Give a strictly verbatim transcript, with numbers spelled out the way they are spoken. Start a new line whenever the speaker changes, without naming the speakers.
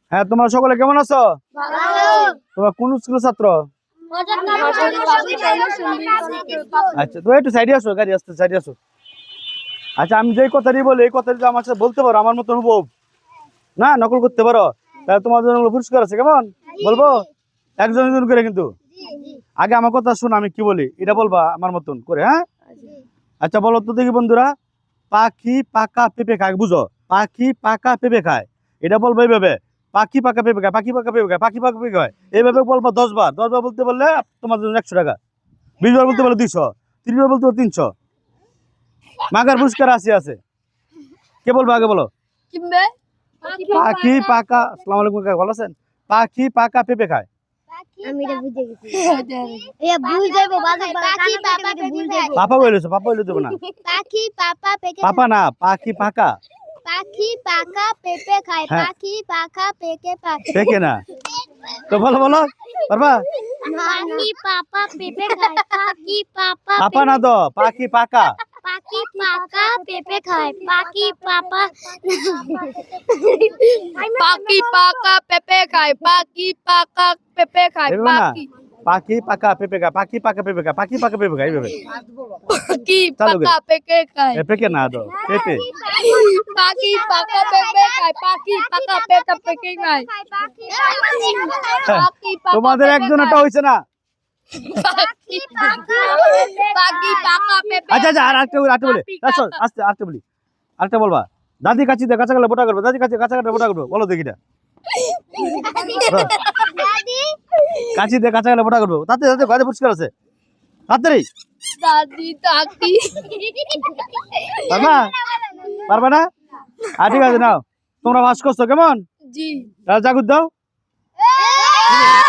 হ্যাঁ, তোমরা সকলে কেমন আছো? তোমরা কোন স্কুলের ছাত্র? আচ্ছা, তো একটু সাইডে আসো, গাড়ি আসতে সাইডে আসো। আচ্ছা, আমি যেই কথাটি বলি এই কথাটি আমার সাথে বলতে পারো, আমার মতন হুবহু না নকল করতে পারো, তাহলে তোমার জন্য পুরস্কার আছে। কেমন বলবো? একজন একজন করে কিন্তু। আগে আমার কথা শোনো, আমি কি বলি এটা বলবা আমার মতন করে। হ্যাঁ, আচ্ছা বলো তো দেখি বন্ধুরা, পাখি পাকা পেঁপে খায়, বুঝো? পাখি পাকা পেঁপে খায়, এটা বলবো এইভাবে, পাখি পাকা পেঁপে খায়, পাখি পাকা পেঁপে খায়, পাখি পাকা পেঁপে খায়, এইভাবে বলবো দশ বার। দশ বার বলতে বললে তোমার জন্য একশো টাকা, বিশ বার বলতে বললে দুইশো, তিরিশ বার বলতে বললে তিনশো। মাগার পুরস্কার আছে আছে। কে বলবো আগে বলো? পাখি পাকা, আসসালামু আলাইকুম কাকা, ভালো আছেন? পাখি পাকা পেঁপে খায়।
আমি এটা বুঝে গেছি। এ ভুল যাইবো বাজে পাখি পাপা ভুল যাইবো।
পাপা বলেছো, পাপা বলে দেব না।
পাখি পাপা পেকে
পাপা না, পাখি পাকা।
পাখি পাকা পেঁপে খায়, পাখি পাকা পেকে পায়।
পেকে না তো বলো বলো, পারবা?
পাখি পাপা পেঁপে খায়, পাখি পাপা
পাপা না তো, পাখি পাকা।
পাখি পাকা পেঁপে খায়, পাখি পাপা
পাখি পাকা পেঁপে খায়, পাখি পাকা পেঁপে খায়,
এভাবে না,
পাখি
পাখি পাকা পেঁপে খায়, পাখি পাকা পেঁপে খায়, পাখি পাকা পেঁপে খায়, এইভাবে।
পাখি
চালু
পাকা পেঁপে খায়,
এ পেকে না তো, পেঁপে।
পাখি পাকা পেঁপে খায়, পাখি পাকা পেঁপে পেকে খায়, পাখি পাকা
তোমাদের একজন একটা হয়েছে না।
পাখি পাকা পাখি পাকা পেঁপে।
আচ্ছা আচ্ছা, আর আরেকটা আরেকটা বলি, আসো আস্তে আরেকটা বলি, আরেকটা বলবা। দাদি কাছি দিয়ে কাঁচা গেলে বোটা করবে, দাদি কাছে কাঁচা গেলে বোটা করবে, বলো দেখিটা।
দাদি
কাছি দিয়ে কাঁচা গেলে বোটা করবে, তাতে তাতে গাড়ি পুরস্কার আছে, তাড়াতাড়ি।
দাদি দাদি
পারবা? পারবা না? আর ঠিক আছে, নাও তোমরা ভাস করছো কেমন?
জি
জাগুদ দাও।